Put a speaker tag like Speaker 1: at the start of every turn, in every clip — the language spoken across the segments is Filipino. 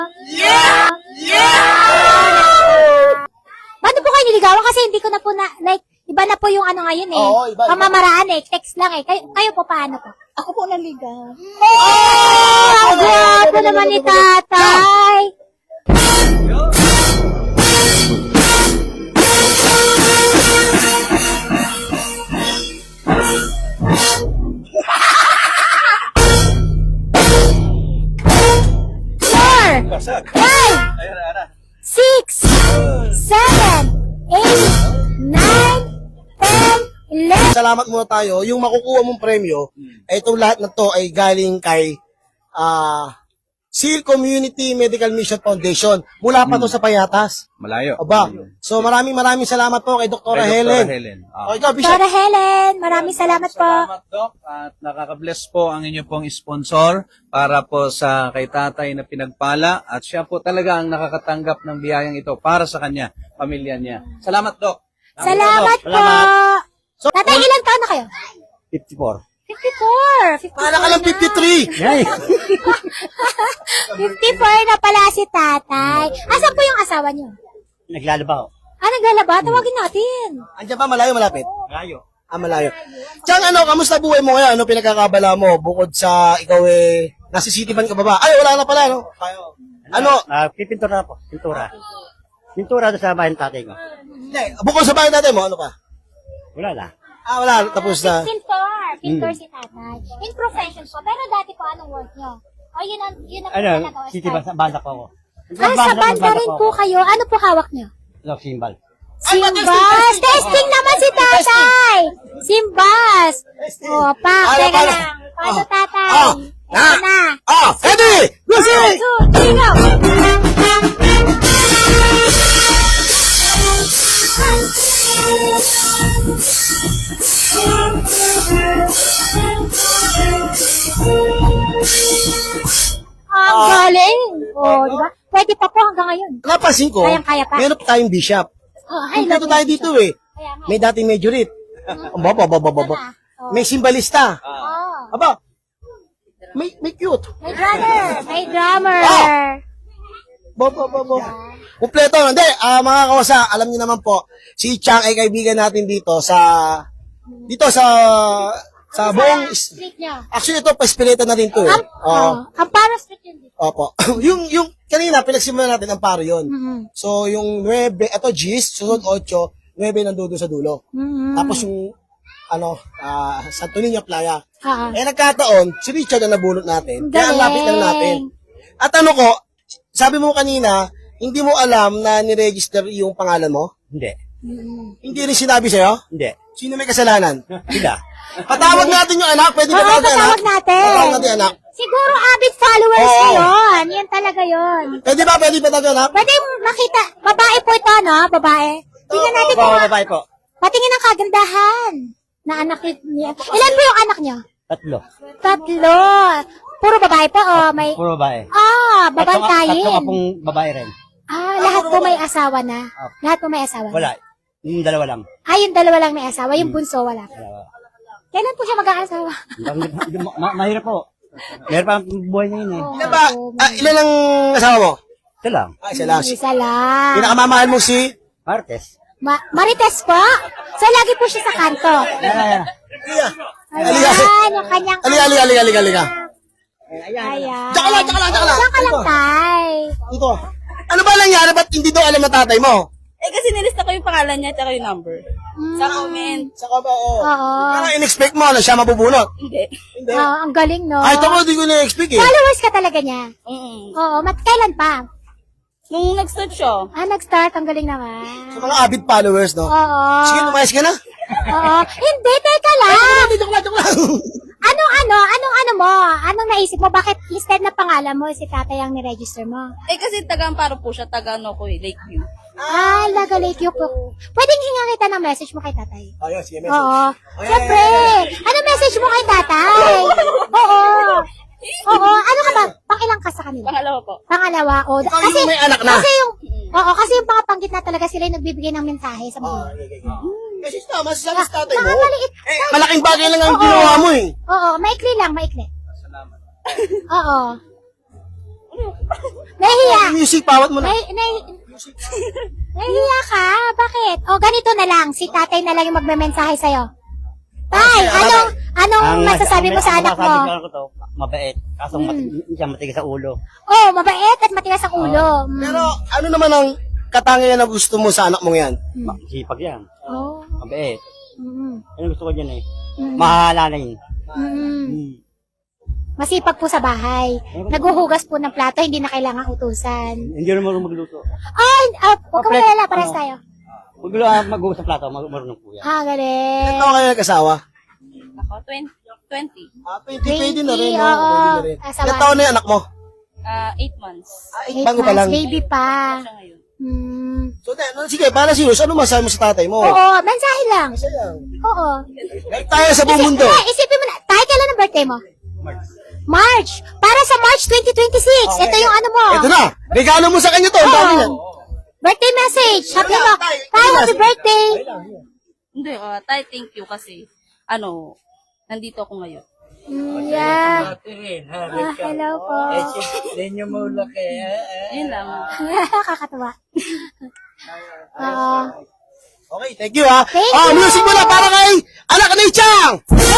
Speaker 1: Yeah!
Speaker 2: Ba't po kayo niligawan? Kasi hindi ko na po na, like, iba na po yung ano ngayon eh.
Speaker 1: Oo, iba.
Speaker 2: Pamamaraan eh. Text lang eh. Kayo po paano po?
Speaker 3: Ako po naligaw.
Speaker 2: Oh! Ang gwapo naman ni tatay. Four, five, 6, 7, 8, 9, 10, 11.
Speaker 1: Salamat muna tayo. Yung makukuha mong premyo, itong lahat na to ay galing kay SEAL Community Medical Mission Foundation. Mula pa to sa Payatas.
Speaker 4: Malayo.
Speaker 1: Aba. So maraming salamat po kay Dr. Helen. O ikaw, Bishop.
Speaker 2: Dora Helen, maraming salamat po.
Speaker 4: Salamat, Doc. At nakaka-bless po ang inyo pong sponsor para po sa kay tatay na pinagpala. At siya po talaga ang nakakatanggap ng biyayang ito para sa kanya, pamilya niya. Salamat, Doc.
Speaker 2: Salamat po.
Speaker 1: So,
Speaker 2: Tatay, ilang taon na kayo?
Speaker 4: 54.
Speaker 2: 54. 54
Speaker 1: para ka lang 53.
Speaker 4: Yay!
Speaker 2: 54 na pala si tatay. Asan po yung asawa niyo?
Speaker 3: Naglalabaw.
Speaker 2: Naglalaba? Tawagin natin.
Speaker 1: Andiyan ba, malayo, malapit?
Speaker 3: Malayo.
Speaker 1: Malayo. Diyan, kamusta buhay mo ngayon? Ano pinagkakabala mo? Bukod sa ikaw nasa city ban ka ba ba? Ay, wala na pala, no? Ano?
Speaker 3: Pipintura na po. Pintura. Pintura doon sa bahay ng tatay ko.
Speaker 1: Hindi, bukod sa bahay natin mo, ano pa?
Speaker 3: Wala na.
Speaker 1: Wala, tapos na.
Speaker 2: Pintor si tatay. In profession po. Pero dati po, anong work niyo? O yun ang
Speaker 3: Ano, city ba sa banda po ako.
Speaker 2: Sa banda rin po kayo. Ano po hawak niyo?
Speaker 3: Simbal.
Speaker 2: Simbas! Testing naman si tatay! Simbas! O, pa, teka lang. Paano tatay? Ito na.
Speaker 1: Ready! Music!
Speaker 2: 1, 2, 3, go! Ang galing! O, di ba? Pwede pa po hanggang ngayon.
Speaker 1: Napansin ko,
Speaker 2: Kayang-kaya pa.
Speaker 1: meron tayong bishop.
Speaker 2: Oh, hi,
Speaker 1: Kompleto
Speaker 2: love
Speaker 1: tayo
Speaker 2: you.
Speaker 1: dito
Speaker 2: Kaya nga.
Speaker 1: May dating majorit. May simbalista.
Speaker 2: Oh.
Speaker 1: Aba, may cute.
Speaker 2: May drummer. May drummer.
Speaker 1: Kompleto. Hindi, mga kawasa, alam niyo naman po, si Chang ay kaibigan natin dito sa buong,
Speaker 2: Street niya.
Speaker 1: actually ito, pa-spirita na rin to eh.
Speaker 2: Amparo Street yun dito.
Speaker 1: Opo. yung kanina, pinagsimulan natin, ang paro yun.
Speaker 2: Mhm.
Speaker 1: So, yung 9, ito G's, susunod 8, 9 nandoon sa dulo.
Speaker 2: Mhm.
Speaker 1: Tapos yung, Santo Niño Playa.
Speaker 2: Ah.
Speaker 1: Nagkataon, si Richard ang nabunot natin. Kaya ang lapit lang natin. At sabi mo kanina, hindi mo alam na niregister yung pangalan mo?
Speaker 3: Hindi.
Speaker 1: Hindi rin sinabi sa'yo?
Speaker 3: Hindi.
Speaker 1: Sino may kasalanan?
Speaker 3: Sila.
Speaker 1: Patawag natin yung anak. Pwede ba
Speaker 2: Oo,
Speaker 1: tawag anak?
Speaker 2: patawag natin.
Speaker 1: Patawag natin anak.
Speaker 2: Siguro avid followers
Speaker 1: Oo.
Speaker 2: ko yun. Yan talaga yun.
Speaker 1: Pwede ba tawag anak?
Speaker 2: Pwede makita. Babae po ito, no? Babae. Tingnan natin kung
Speaker 3: Babae po.
Speaker 2: patingin ng kagandahan na anak niya. Ilan po yung anak niyo?
Speaker 3: 3.
Speaker 2: 3. Puro babae po, may...
Speaker 3: Puro babae.
Speaker 2: Babantayin.
Speaker 3: 3 apong babae rin.
Speaker 2: Lahat po may asawa na. Lahat po may asawa na.
Speaker 3: Wala. Yung dalawa lang.
Speaker 2: Yung dalawa lang may asawa. Yung bunso wala.
Speaker 3: Dalawa.
Speaker 2: Kailan po siya mag-aasawa?
Speaker 3: Mahirap po. Mahirap pa ang buhay niya yun eh.
Speaker 1: Ilan ba? Ilan ang asawa mo?
Speaker 3: Ito lang.
Speaker 1: Isa lang.
Speaker 2: Isa lang.
Speaker 1: Pinakamamahal mo si...
Speaker 3: Martes.
Speaker 2: Marites po? So, lagi po siya sa kanto.
Speaker 3: Ayan.
Speaker 2: Ayan, yung kanyang...
Speaker 1: Halika.
Speaker 2: Ayan.
Speaker 1: Tsaka lang.
Speaker 2: Tsaka lang, tay.
Speaker 1: Ito. Ano ba nangyari? Ba't hindi daw alam na tatay mo?
Speaker 5: Kasi nilista ko yung pangalan niya at yung number. Sa comment.
Speaker 1: Saka ba,
Speaker 2: Oo.
Speaker 1: Parang in-expect mo na siya mabubunot.
Speaker 5: Hindi.
Speaker 1: Hindi.
Speaker 2: Ang galing, no?
Speaker 1: Ay, ito mo, hindi ko na-expect eh.
Speaker 2: Followers ka talaga niya.
Speaker 5: Mm-mm.
Speaker 2: Oo, kailan pa?
Speaker 5: Nung nag-start siya,
Speaker 2: Nag-start. Ang galing naman.
Speaker 1: Sa mga avid followers, no?
Speaker 2: Oo.
Speaker 1: Sige, lumayas ka na.
Speaker 2: Oo. Hindi, teka lang.
Speaker 1: Joke lang.
Speaker 2: Anong mo? Anong naisip mo? Bakit listed na pangalan mo si tatay ang niregister mo?
Speaker 5: kasi taga-amparo po siya, Lakeview.
Speaker 2: Laga Lakeview po. Pwedeng hinga kita ng message mo kay tatay.
Speaker 1: Ayun, sige, message.
Speaker 2: Oo. Siyempre. Ano message mo kay tatay? Oo. Ano ka ba? Pangilang ka sa kanila?
Speaker 5: Pangalawa po.
Speaker 2: Pangalawa. O,
Speaker 1: Ikaw yung may anak na.
Speaker 2: Kasi yung pangapanggit na talaga sila yung nagbibigay ng mensahe sa mga.
Speaker 1: Kasi tama, sabi sa tatay mo.
Speaker 2: Maliit.
Speaker 1: Malaking bagay lang ang ginawa mo eh.
Speaker 2: Oo, maikli lang, maikli. Oo. Nahihiya.
Speaker 1: Music, pawat mo na.
Speaker 2: Nahihiya ka? Bakit? O, ganito na lang. Si tatay na lang yung magme-mensahe sa'yo. Tay, anong masasabi mo sa anak mo?
Speaker 3: Masasabi ko to, mabait. Kaso siya matigas sa ulo.
Speaker 2: Oh, mabait at matigas ang ulo.
Speaker 1: Pero ano naman ang katangian na gusto mo sa anak mong yan?
Speaker 3: Sipag yan.
Speaker 2: Oh.
Speaker 3: Mabait.
Speaker 2: Mm.
Speaker 3: Ano gusto ko dyan eh? Mahalalain.
Speaker 2: Masipag po sa bahay. Naguhugas po ng plato, hindi na kailangan utusan.
Speaker 3: Hindi rin marunong magluto.
Speaker 2: Ay, huwag ka malala, pares tayo.
Speaker 3: Huwag lang mag-uusap plato, marunong po yan.
Speaker 2: Galing.
Speaker 1: Ito kayo nag-asawa?
Speaker 5: Ako, 20.
Speaker 1: 20, pwede na rin.
Speaker 2: oo.
Speaker 1: Pwede na rin.
Speaker 2: Asawa.
Speaker 1: Ilang taon na yung anak mo?
Speaker 5: 8 months.
Speaker 1: Bago pa lang.
Speaker 2: Baby pa.
Speaker 5: Siya ngayon.
Speaker 1: So, sige, para serious, ano masabi mo sa tatay mo?
Speaker 2: Oo, mensahe lang. Oo.
Speaker 1: Like tayo sa buong mundo.
Speaker 2: Isipin mo na, tayo kailan ang birthday mo? March. Para sa March 2026. Ito yung ano mo.
Speaker 1: Ito na. Regalo mo sa kanya to. Ang dami yan.
Speaker 2: Birthday message. Happy mo. Tayo, happy birthday.
Speaker 5: Hindi, tay, thank you kasi, nandito ako ngayon.
Speaker 2: Yeah. Hello po.
Speaker 5: Yun lang.
Speaker 2: Kakatuwa.
Speaker 1: Okay, thank you ha.
Speaker 2: Thank you.
Speaker 1: Music mo na para kay anak ni Chang.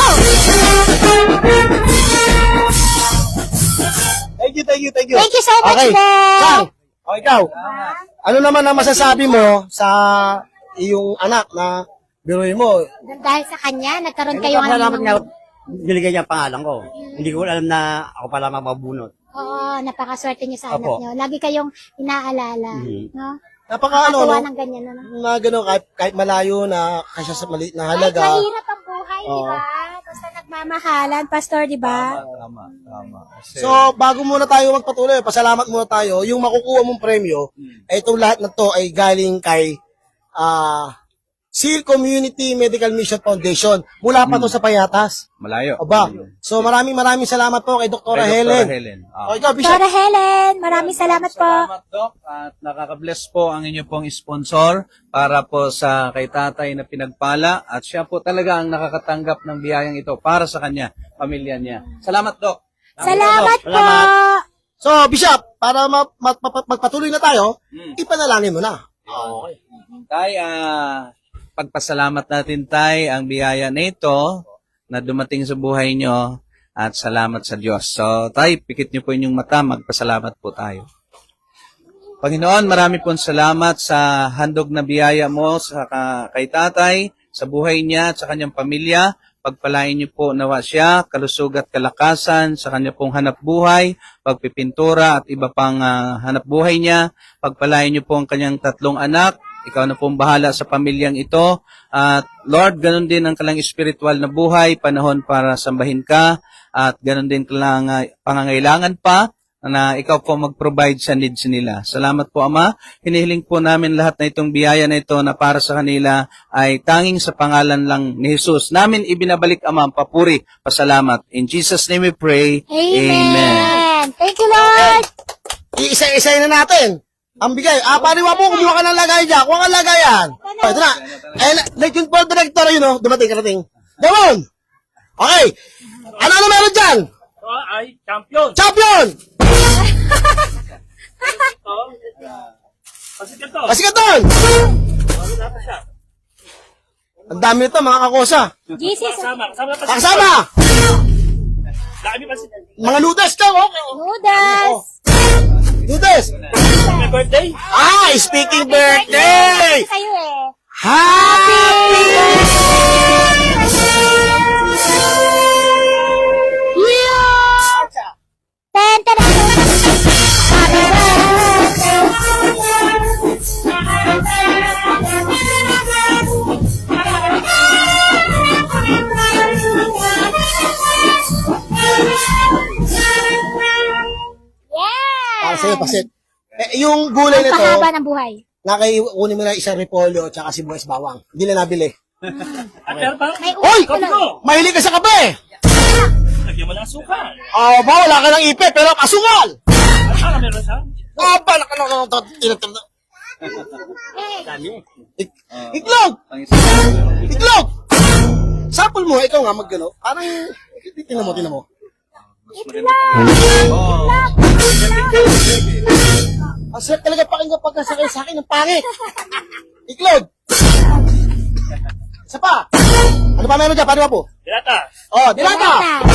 Speaker 1: Thank you.
Speaker 2: Thank you so much,
Speaker 1: Okay.
Speaker 2: Dad.
Speaker 1: Chang, ikaw. Ano naman ang masasabi mo sa iyong anak na biruin mo?
Speaker 2: Dahil sa kanya, nagkaroon kayo
Speaker 3: Salamat
Speaker 2: ng...
Speaker 3: niya, niligay niya ang pangalan ko. Hindi ko alam na ako pala mababunot.
Speaker 2: Oo, napakaswerte niyo sa anak
Speaker 3: Opo.
Speaker 2: niyo. Lagi kayong inaalala. No?
Speaker 1: Napaka
Speaker 2: Nakakatuwa
Speaker 1: no?
Speaker 2: ng ganyan. No?
Speaker 1: Na gano'n, kahit malayo na kasi sa maliit na
Speaker 2: Kahit
Speaker 1: halaga.
Speaker 2: mahirap ang buhay, di ba? Basta nagmamahalan, Pastor, di ba?
Speaker 4: Tama.
Speaker 1: So, bago muna tayo magpatuloy, pasalamat muna tayo. Yung makukuha mong premyo, itong lahat na to ay galing kay SEAL Community Medical Mission Foundation. Mula pa to sa Payatas.
Speaker 4: Malayo.
Speaker 1: Aba. So, maraming salamat po kay Dr.
Speaker 4: Kay
Speaker 1: Helen.
Speaker 4: Dr. Helen.
Speaker 1: O, ikaw, Bishop.
Speaker 2: Dora Helen, maraming salamat po.
Speaker 4: Salamat, Doc. At nakaka-bless po ang inyo pong sponsor para po sa kay tatay na pinagpala. At siya po talaga ang nakakatanggap ng biyayang ito para sa kanya, pamilya niya. Salamat, Doc.
Speaker 2: Salamat po.
Speaker 1: So, Bishop, para magpatuloy na tayo, ipanalangin mo na.
Speaker 4: Okay. Tay, pagpasalamat natin, Tay, ang biyaya na ito na dumating sa buhay nyo at salamat sa Diyos. So, Tay, pikit nyo po inyong mata, magpasalamat po tayo. Panginoon, marami pong salamat sa handog na biyaya mo sa kay tatay, sa buhay niya at sa kanyang pamilya. Pagpalain niyo po nawa siya, kalusog at kalakasan sa kanya pong hanap buhay, pagpipintura at iba pang hanap buhay niya. Pagpalain niyo po ang kanyang 3 anak. Ikaw na pong bahala sa pamilyang ito. At Lord, ganun din ang kalang spiritual na buhay, panahon para sambahin ka. At ganun din kalang pangangailangan pa na ikaw po mag-provide sa needs nila. Salamat po, Ama. Hinihiling po namin lahat na itong biyaya na ito na para sa kanila ay tanging sa pangalan lang ni Jesus. Namin ibinabalik, Ama, ang papuri, pasalamat. In Jesus' name we pray.
Speaker 2: Amen. Thank you, Lord.
Speaker 1: Iisa-isay na natin. Ang bigay. Pariwa mo, kumuha ka ng lagay dyan. Kuha ka ng lagayan. Ito na. Like yung Paul Director, dumating. Damon! Okay. Ano meron dyan?
Speaker 3: Ay, champion!
Speaker 1: Champion! Pasikaton! Ang dami nito, mga kakosa.
Speaker 2: Jesus.
Speaker 1: Kasama! Mga ludas ka, okay.
Speaker 2: Noodles.
Speaker 1: Ludas!
Speaker 3: My birthday?
Speaker 1: Speaking birthday!
Speaker 2: Sa'yo eh.
Speaker 1: Happy!
Speaker 2: Ten, ten, Happy birthday. Yeah!
Speaker 1: Sa'yo, pasit. Yung gulay
Speaker 2: Ang
Speaker 1: nito,
Speaker 2: pahaba ng buhay.
Speaker 1: nakaiunin mo na isang repolyo at saka sibuyas bawang. Hindi na nabili.
Speaker 2: May
Speaker 1: Hoy!
Speaker 2: uwi ko lang.
Speaker 1: Mahilig ka sa kape!
Speaker 3: Lagyan mo ng asukal.
Speaker 1: Wala ka ng ipe, pero kasungal!
Speaker 3: Ano meron siya? Dami.
Speaker 1: Iklog! Iklog! Sample mo, ikaw nga maggano. Parang, tinan mo.
Speaker 4: Mas maganda. Oh.
Speaker 1: Ang sarap talaga pakinggan pagkasakay sa akin ng pangit. Iklod. Isa pa. Ano pa meron dyan? Paano po?
Speaker 3: Dilata!
Speaker 1: Oh, dilata.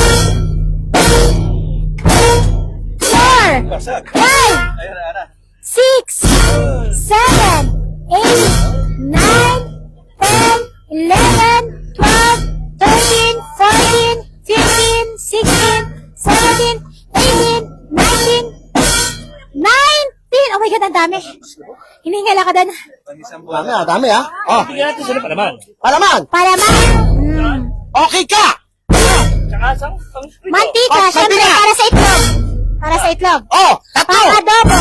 Speaker 2: 4, 5,
Speaker 4: Ayun, ara.
Speaker 2: 6, 7, 8, 9, 10, 11, 12, 13, 14, 15, 16, 17, 18, 19, 19! Oh my God, ang dami. Hiningal ako doon.
Speaker 4: Pang-isang
Speaker 1: Dami
Speaker 4: buwan.
Speaker 1: dami ah. Oh,
Speaker 3: Bigyan natin sila pa naman.
Speaker 1: palaman.
Speaker 2: Palaman.
Speaker 1: Okay ka.
Speaker 3: Tsaka sa
Speaker 2: Mantika,
Speaker 1: Oh,
Speaker 2: syempre,
Speaker 1: mantika.
Speaker 2: para sa itlog. Para sa itlog.
Speaker 1: Oh, tatlo.
Speaker 2: Pang adobo.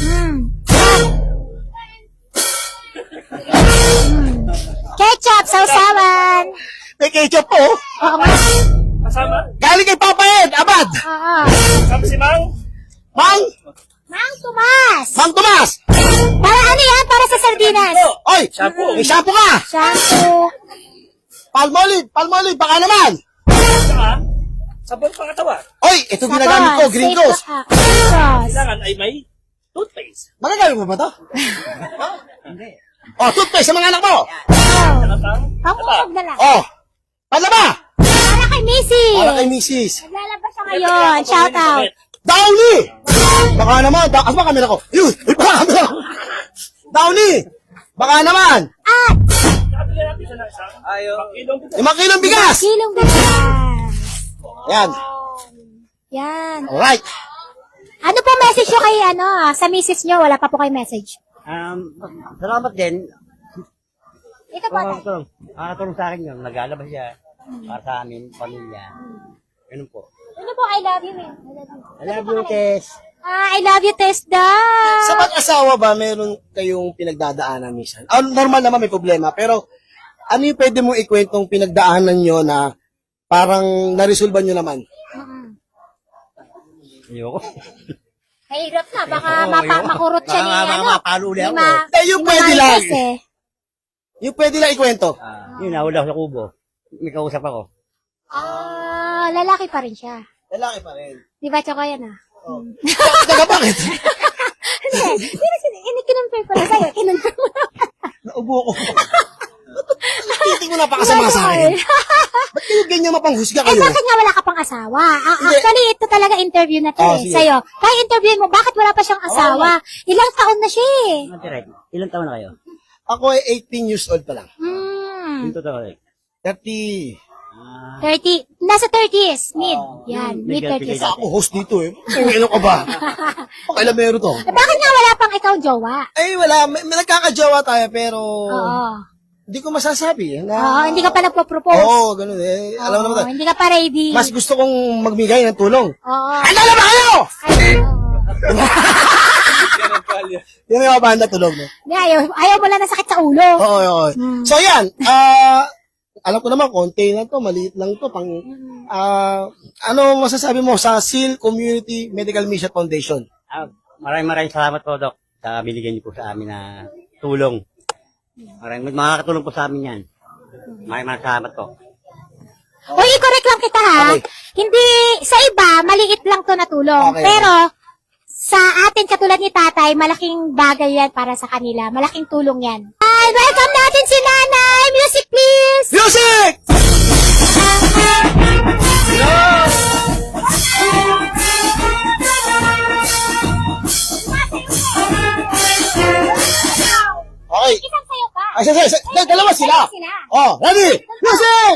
Speaker 2: Ketchup, sausawan.
Speaker 1: May ketchup po. oh.
Speaker 2: Oo nga.
Speaker 3: kasama.
Speaker 1: Galing kay Papa Ed, abad.
Speaker 2: Oo.
Speaker 3: Kasama si Mang.
Speaker 1: Mang,
Speaker 2: Mang Tomas.
Speaker 1: Mang Tomas.
Speaker 2: Para ano yan? Para sa sardinas.
Speaker 1: Oy,
Speaker 3: Shampoo.
Speaker 1: may shampoo ka.
Speaker 2: Shampoo.
Speaker 1: Palmolive, baka naman.
Speaker 3: Tsaka, sabon pangatawan.
Speaker 1: Oy, ito ginagamit ko, Green Ghost.
Speaker 2: Gringos.
Speaker 3: Kailangan ay may toothpaste.
Speaker 1: Magagamit mo ba to?
Speaker 3: Hindi.
Speaker 1: Oh, toothpaste sa mga anak mo.
Speaker 3: Ano pang?
Speaker 2: Pangusog na lang.
Speaker 1: Oh, palaba.
Speaker 2: Para kay Missy.
Speaker 1: Para kay Mrs.
Speaker 2: Naglalabas siya ngayon. Shout out.
Speaker 1: Downy! Baka naman, asa ba camera ko? Yun, may baka camera ko. Downy! Baka naman,
Speaker 2: At
Speaker 3: Bigyan natin siya ng isang
Speaker 4: Ayaw.
Speaker 3: kilong bigas.
Speaker 1: 5 kilong bigas!
Speaker 2: kilong bigas.
Speaker 1: Yan,
Speaker 2: Yan.
Speaker 1: alright.
Speaker 2: Ano po message nyo kay sa misis nyo? Wala pa po kayo message.
Speaker 3: Salamat din.
Speaker 2: Ito po. tay.
Speaker 3: Nakatulong sa akin yun. Nag-alabas siya. Para sa amin, pamilya. Ganun po.
Speaker 2: Ano po? I love you, man.
Speaker 3: I love you, Tess.
Speaker 2: I love you, Tess daw.
Speaker 1: Sa mag-asawa ba, meron kayong pinagdadaanan minsan? Normal naman may problema, pero ano yung pwede mong ikwentong pinagdaanan nyo na parang naresolban nyo naman?
Speaker 3: Ayoko.
Speaker 2: Mahirap na. Baka
Speaker 3: ayoko.
Speaker 2: makurot siya ni
Speaker 3: Baka mapalo ulit ako.
Speaker 1: Yung pwede lang. Yung pwede lang ikwento.
Speaker 3: Yun, nahula ako sa kubo. May kausap ako.
Speaker 2: Lalaki pa rin siya.
Speaker 1: Lalaki pa rin.
Speaker 2: Di ba, Choco yan
Speaker 1: Taga bakit?
Speaker 2: Hindi, kinonfirm ko na sa'yo. Kinonfirm mo na.
Speaker 1: Naubo ko. Titig mo napakasama sa akin. Ba't kayo ganyan mapanghusga kayo?
Speaker 2: Bakit nga wala ka pang asawa? Actually, ito talaga interview na to
Speaker 1: Sige.
Speaker 2: sa'yo. Kaya interview mo, bakit wala pa siyang asawa? Ilang taon na siya eh.
Speaker 3: Direct. Ilan taon na kayo?
Speaker 1: Ako ay 18 years old pa lang.
Speaker 3: Yung totoo.
Speaker 1: 30.
Speaker 2: 30, nasa 30s, mid. Yan, mid 30s.
Speaker 1: Ako host dito eh. Ano ka ba? Pakailan meron to?
Speaker 2: Bakit nga wala pang ikaw jowa?
Speaker 1: Ay, wala. May nagkakajawa tayo, pero
Speaker 2: Oo.
Speaker 1: hindi ko masasabi.
Speaker 2: Oo, hindi ka pa nagpo-propose.
Speaker 1: Oo, ganun eh. Alam mo naman.
Speaker 2: Hindi ka pa ready.
Speaker 1: Mas gusto kong magbigay ng tulong.
Speaker 2: Oo.
Speaker 1: Ano na ba kayo?
Speaker 2: Ay, oo.
Speaker 4: Yan ang kalya.
Speaker 1: Yan yung mga banda tulog, no?
Speaker 2: Hindi, ayaw mo lang na sakit sa ulo.
Speaker 1: Oo. So, yan. Alam ko naman, konti na to, maliit lang to. Ano masasabi mo sa SEAL Community Medical Mission Foundation?
Speaker 3: Maraming salamat po, Doc, sa binigyan niyo po sa amin na tulong. Makakatulong po sa amin yan. Maraming salamat po.
Speaker 2: Uy, i-correct lang kita ha.
Speaker 1: Okay.
Speaker 2: Hindi, sa iba, maliit lang to na tulong.
Speaker 1: Okay.
Speaker 2: Pero, sa atin katulad ni tatay, malaking bagay yan para sa kanila. Malaking tulong yan. And welcome natin si nanay. Music please!
Speaker 1: Music! Okay.
Speaker 2: Isang sayo pa.
Speaker 1: Ay, dalawa sila.
Speaker 2: Sila.
Speaker 1: Oh, ready? Music!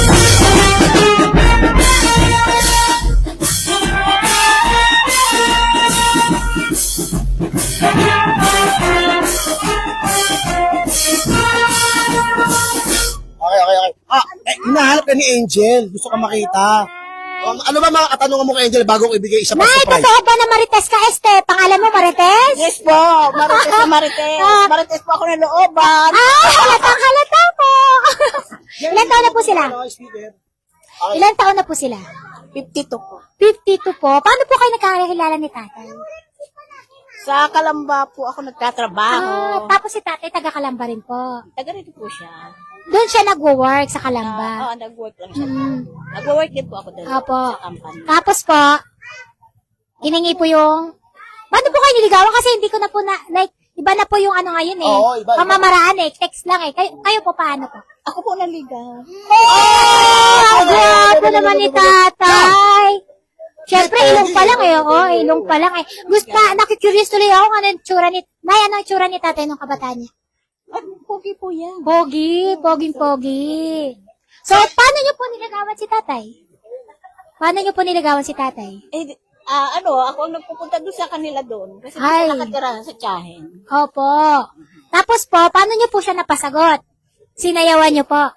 Speaker 1: Okay. Hinahanap ka ni Angel. Gusto ka makita. Ano ba mga katanungan mo kay Angel bago ko ibigay isa pa
Speaker 2: Nay,
Speaker 1: surprise?
Speaker 2: totoo ba na Marites ka, Este? Pangalan mo Marites?
Speaker 6: Yes po, Marites na Marites. Marites po ako na looban.
Speaker 2: Halata po. Ilan taon na po sila? Ilan taon na po sila?
Speaker 6: 52 po.
Speaker 2: 52 po. Paano po kayo nagkakilala ni tatay?
Speaker 6: Sa Kalamba po ako nagtatrabaho.
Speaker 2: Tapos si tatay taga Kalamba rin po.
Speaker 6: Taga rito po siya.
Speaker 2: doon siya nagwo-work sa Kalamba.
Speaker 6: Nag-work lang siya.
Speaker 2: Mm.
Speaker 6: Nag-work din po ako doon
Speaker 2: Opo.
Speaker 6: sa company.
Speaker 2: Tapos po, hiningi po yung, paano po kayo niligawan? Kasi hindi ko na po like, iba na po yung ano ngayon eh.
Speaker 1: Oo, iba.
Speaker 2: Pamamaraan eh, text lang eh. Kayo po paano po?
Speaker 6: Ako po naligaw.
Speaker 2: Ang gwapo naman ni tatay. Siyempre, ilong pa lang eh. Oo, ilong pa lang eh. Gusto pa, nakikurious tuloy ako kung ano yung tsura ni, Nay, ano yung tsura ni tatay nung kabataan niya?
Speaker 6: Pogi po yan.
Speaker 2: Pogi, poging-pogi. So, paano niyo po niligawan si tatay? Paano niyo po niligawan si tatay?
Speaker 6: Ako ang nagpupunta doon sa kanila doon. Kasi
Speaker 2: Ay.
Speaker 6: doon nakatira sa tiyahin.
Speaker 2: Opo. Tapos po, paano niyo po siya napasagot? Sinayawan niyo po.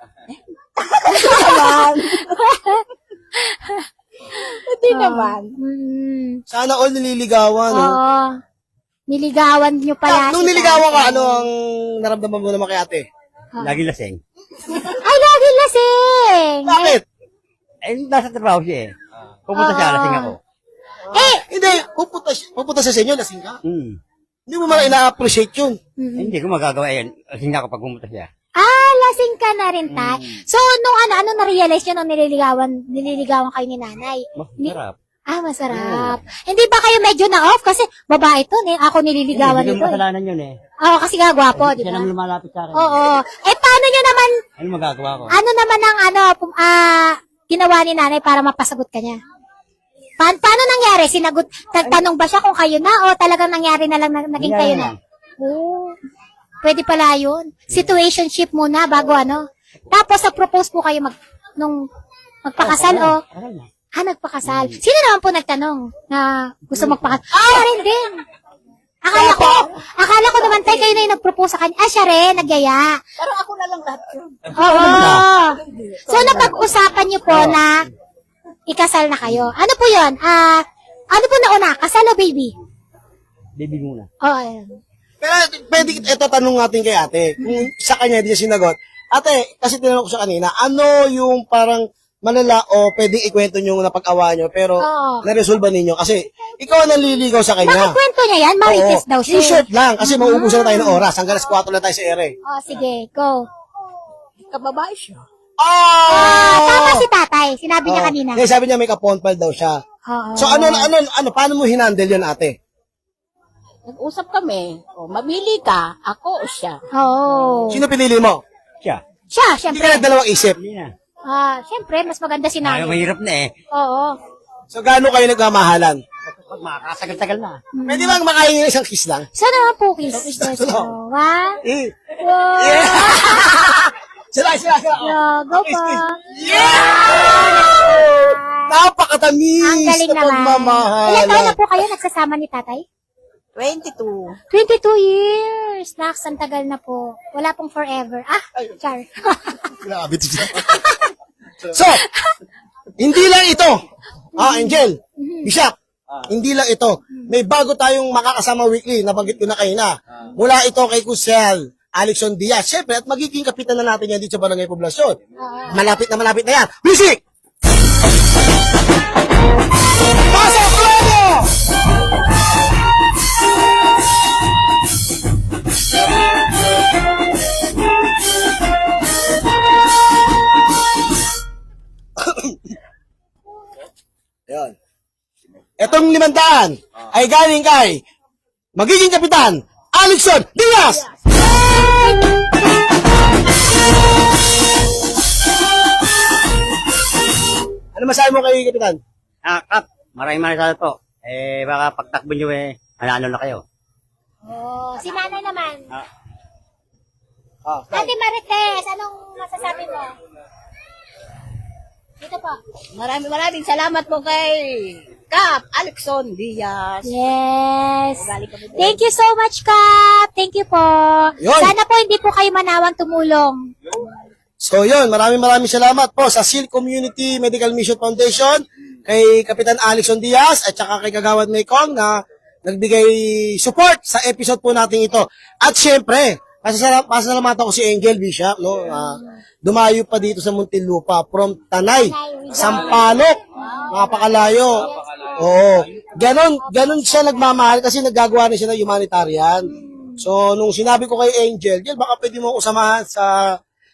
Speaker 6: Hindi naman.
Speaker 1: Sana all nililigawan, no?
Speaker 2: Oo. Niligawan niyo pala
Speaker 1: Nung
Speaker 2: si
Speaker 1: niligawan ka,
Speaker 2: tatay.
Speaker 1: ano ang naramdaman mo naman kay ate?
Speaker 3: Lagi lasing.
Speaker 2: Ay, lagi lasing!
Speaker 1: Bakit?
Speaker 3: Eh, nasa trabaho siya eh. Pupunta siya, lasing ako.
Speaker 1: Hindi, pupunta sa inyo, lasing ka.
Speaker 3: Hmm.
Speaker 1: Hindi mo man ina-appreciate yun.
Speaker 3: Hindi ko magagawa yan. Lasing ako pag pumunta siya.
Speaker 2: Lasing ka na rin, tay. So, nung ano na-realize nyo nung nililigawan kayo ni nanay?
Speaker 3: Masarap.
Speaker 2: Masarap. Hindi ba kayo medyo na-off? Kasi babae to, eh. Ako nililigawan
Speaker 3: Hindi
Speaker 2: nito.
Speaker 3: ko kasalanan yun eh.
Speaker 2: Oo, kasi nga gwapo, di
Speaker 3: Siya
Speaker 2: ba?
Speaker 3: naman lumalapit sa akin.
Speaker 2: Oo. Paano nyo naman,
Speaker 3: Ano magagawa ko?
Speaker 2: ano naman ang ginawa ni nanay para mapasagot ka niya? Paano nangyari? Nagtanong ba siya kung kayo na o talagang nangyari na lang naging kayo na? Oo. Pwede pala yun. Situationship muna bago ano. Tapos nag-propose po kayo nung magpakasal o nagpakasal. Sino naman po nagtanong na gusto magpakasal? Siya rin din. Akala ko naman tayo kayo na yung nag-propose sa kanya. Siya rin, nagyaya.
Speaker 6: Pero ako na lang lahat yun.
Speaker 2: Oo. So, napag-usapan niyo po na ikasal na kayo. Ano po yun? Ano po nauna? Kasal o baby?
Speaker 3: Baby muna.
Speaker 2: Oo, ayun.
Speaker 1: Pero pwede ito tanong natin kay ate. Kung sa kanya hindi niya sinagot. Ate, kasi tinanong ko siya kanina, ano yung parang malala o pwedeng ikwento nyo na pag-awa nyo pero
Speaker 2: Oo.
Speaker 1: naresolba ninyo kasi ikaw ang naliligaw sa
Speaker 2: Bakit
Speaker 1: kanya.
Speaker 2: kwento niya yan? Marites daw siya.
Speaker 1: In short lang, kasi mauubusan na tayo ng oras. Hanggang alas 4 na tayo sa ere.
Speaker 2: Sige, go.
Speaker 6: Kababae siya.
Speaker 2: Tama si tatay. Sinabi niya kanina.
Speaker 1: Kasi sabi niya may kaponpal daw siya.
Speaker 2: Oo.
Speaker 1: So ano, paano mo hinandle yun ate?
Speaker 6: Nag-usap kami. Mamili ka, ako o siya.
Speaker 2: Oo.
Speaker 1: Sino pinili mo?
Speaker 3: Siya.
Speaker 2: Siya,
Speaker 1: Hindi
Speaker 2: syempre.
Speaker 1: ka nagdalawang isip.
Speaker 3: Hindi na.
Speaker 2: Syempre, mas maganda si
Speaker 3: Ayaw,
Speaker 2: nanay.
Speaker 3: mahirap na eh.
Speaker 2: Oo.
Speaker 1: So gaano kayo nagmamahalan?
Speaker 3: Pag makakasagal-tagal na.
Speaker 1: Pwede bang makain ng isang kiss lang?
Speaker 2: Sana naman po, kiss. Wow. Wow.
Speaker 1: Sila.
Speaker 2: Yeah, go
Speaker 1: Kiss,
Speaker 2: pa.
Speaker 1: kiss. Napakatamis
Speaker 2: Ang galing
Speaker 1: na
Speaker 2: naman.
Speaker 1: pagmamahalan.
Speaker 2: Ilan taon na po kayo nagsasama ni tatay?
Speaker 6: 22.
Speaker 2: 22 years. Naks, ang tagal na po. Wala pong forever. Char.
Speaker 1: Grabe to siya. So, hindi lang ito. Angel, Bishop, hindi lang ito. May bago tayong makakasama weekly, nabanggit ko na kayo na. Mula ito kay Kusel, Alexon Diaz. Siyempre, at magiging kapitan na natin yan dito sa Barangay Poblasyon. Malapit na yan. Music! Pasok Lobo! Yan. Etong 500 ay galing kay magiging kapitan, Alexon Diaz! Ano masabi mo kay kapitan?
Speaker 3: Kap, maraming salamat po. Baka pagtakbo nyo manalo na kayo.
Speaker 2: Si nanay naman.
Speaker 1: Ah,
Speaker 2: Ate Marites, anong masasabi mo? Dito po.
Speaker 6: Maraming salamat po kay Kap Alexon Diaz.
Speaker 2: Yes.
Speaker 6: Galing kami doon.
Speaker 2: Thank you so much, Kap. Thank you po.
Speaker 1: Yun.
Speaker 2: Sana po hindi po kayo manawang tumulong.
Speaker 1: So yun, maraming salamat po sa SEAL Community Medical Mission Foundation, kay Kapitan Alexon Diaz at saka kay Kagawad Maykong na nagbigay support sa episode po natin ito. At syempre, pasalamatan ko si Angel Bishop, no? Dumayo pa dito sa Muntinlupa from Tanay, Sampaloc, napakalayo. Oo. Ganon siya nagmamahal kasi naggagawa na siya ng humanitarian. So, nung sinabi ko kay Angel, baka pwede mo ako samahan sa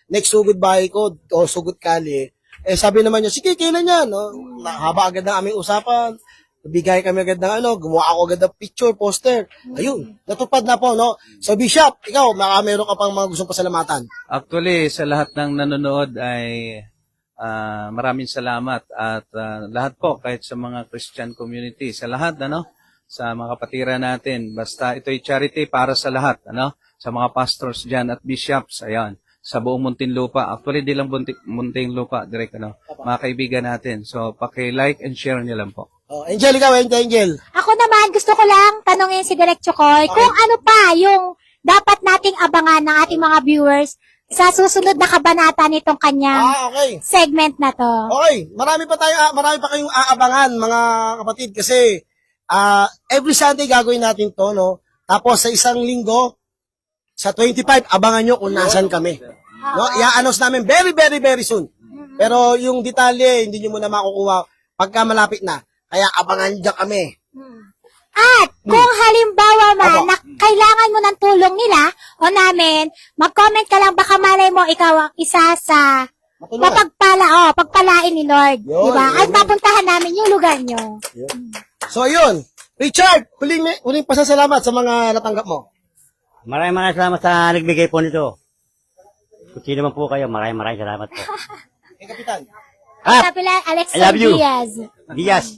Speaker 1: next sugod bahay ko o sugod kali, sabi naman niya, sige, kailan yan? No? Haba agad ng aming usapan. Bigay kami agad ng gumawa ako agad ng picture, poster. Ayun, natupad na po, no? So, Bishop, ikaw, meron ka pang mga gustong pasalamatan.
Speaker 4: Actually, sa lahat ng nanonood ay maraming salamat at lahat po, kahit sa mga Christian community, sa lahat, sa mga kapatiran natin, basta ito'y charity para sa lahat, sa mga pastors dyan at bishops, ayan, sa buong Muntinlupa. Actually, di lang Muntinlupa, direct, mga kaibigan natin. So, paki-like and share niyo lang po.
Speaker 1: Oh, Angel, ikaw, Angel.
Speaker 2: Ako naman, gusto ko lang tanongin si Direk Chokoy kung ano pa yung dapat nating abangan ng ating mga viewers sa susunod na kabanata nitong kanyang
Speaker 1: Okay.
Speaker 2: segment na to.
Speaker 1: Okay, marami pa kayong aabangan, mga kapatid, kasi every Sunday gagawin natin to, no? Tapos sa isang linggo, sa 25, abangan nyo kung nasan kami. No? I-announce namin very, very, very soon. Pero yung detalye, hindi nyo muna makukuha pagka malapit na. Kaya abangan nyo dyan kami.
Speaker 2: At kung halimbawa man na kailangan mo ng tulong nila o namin, mag-comment ka lang, baka malay mo ikaw ang isa sa
Speaker 1: Matulungan.
Speaker 2: pagpalain ni Lord.
Speaker 1: Yun,
Speaker 2: Diba?
Speaker 1: yun,
Speaker 2: At mapuntahan namin yung lugar nyo.
Speaker 1: So, yun. Richard, huling pasasalamat sa mga natanggap mo.
Speaker 3: Maraming salamat sa nagbigay po nito. Kung sino man po kayo, maraming salamat po.
Speaker 1: Kapitan.
Speaker 2: Kapila Alex
Speaker 3: I love you.
Speaker 2: Diaz.
Speaker 3: Diaz.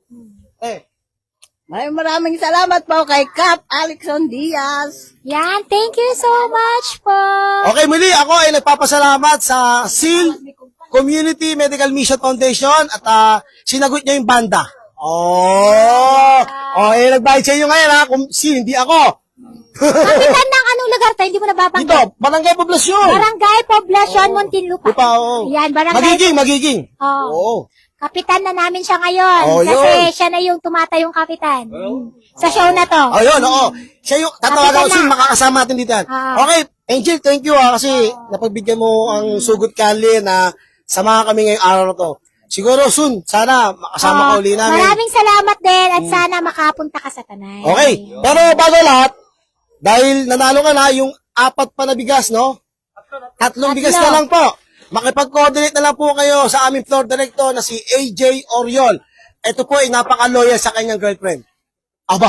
Speaker 6: Maraming salamat po kay Cap Alexon Diaz.
Speaker 2: Yan, thank you so much po.
Speaker 1: Okay, muli ako ay nagpapasalamat sa SEAL Community Medical Mission Foundation at sinagot niya yung banda. Nagbayad sa inyo ngayon ha, kung hindi ako.
Speaker 2: Kapitan ng anong lugar tayo, hindi mo nababanggit.
Speaker 1: Dito, Barangay Poblasyon.
Speaker 2: Barangay Poblacion, Muntinlupa.
Speaker 1: Lupa, oo.
Speaker 2: Yan, barangay.
Speaker 1: Magiging.
Speaker 2: Oo.
Speaker 1: Oo.
Speaker 2: Kapitan na namin siya ngayon.
Speaker 1: Oh,
Speaker 2: kasi
Speaker 1: yun.
Speaker 2: siya na yung tumatayong kapitan. Sa show na to.
Speaker 1: Oh, yun, oo. Siya yung, tatawagan ko
Speaker 2: Kapitan
Speaker 1: soon,
Speaker 2: na.
Speaker 1: makakasama natin dito yan.
Speaker 2: Ah.
Speaker 1: Okay, Angel, thank you kasi napagbigyan mo ang sugot kali na samahan kami ngayong araw na to. Siguro soon, sana makasama ka uli namin.
Speaker 2: Maraming salamat din at sana makapunta ka sa Tanay.
Speaker 1: Okay, pero bago lahat, dahil nanalo ka na yung 4 pa na bigas, no? 3 bigas na lang po. Makipag-coordinate na lang po kayo sa aming floor director na si AJ Oriol. Ito po ay napaka-loyal sa kanyang girlfriend. Aba.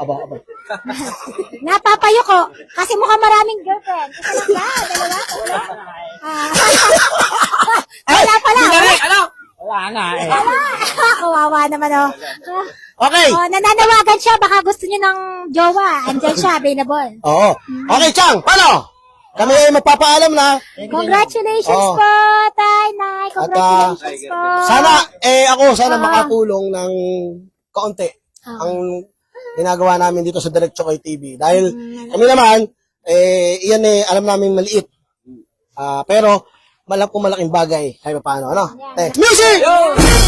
Speaker 2: Napapayo ko kasi mukhang maraming girlfriend. Isa lang ba? Dalawa? Wala? Wala pala.
Speaker 3: Wala na eh.
Speaker 2: Kawawa naman oh.
Speaker 1: Okay.
Speaker 2: Oh, nananawagan siya, baka gusto niyo ng jowa. Andyan siya, available.
Speaker 1: Oo. Okay, Chang, paano? Kami ay magpapaalam na.
Speaker 2: Congratulations
Speaker 1: Oo.
Speaker 2: po, Tay, Nay. Congratulations po.
Speaker 1: Sana makatulong ng kaunti ang ginagawa namin dito sa Direct Chokoy TV. Dahil kami naman, iyan alam namin maliit. Pero malaking bagay kahit paano, ano? Music!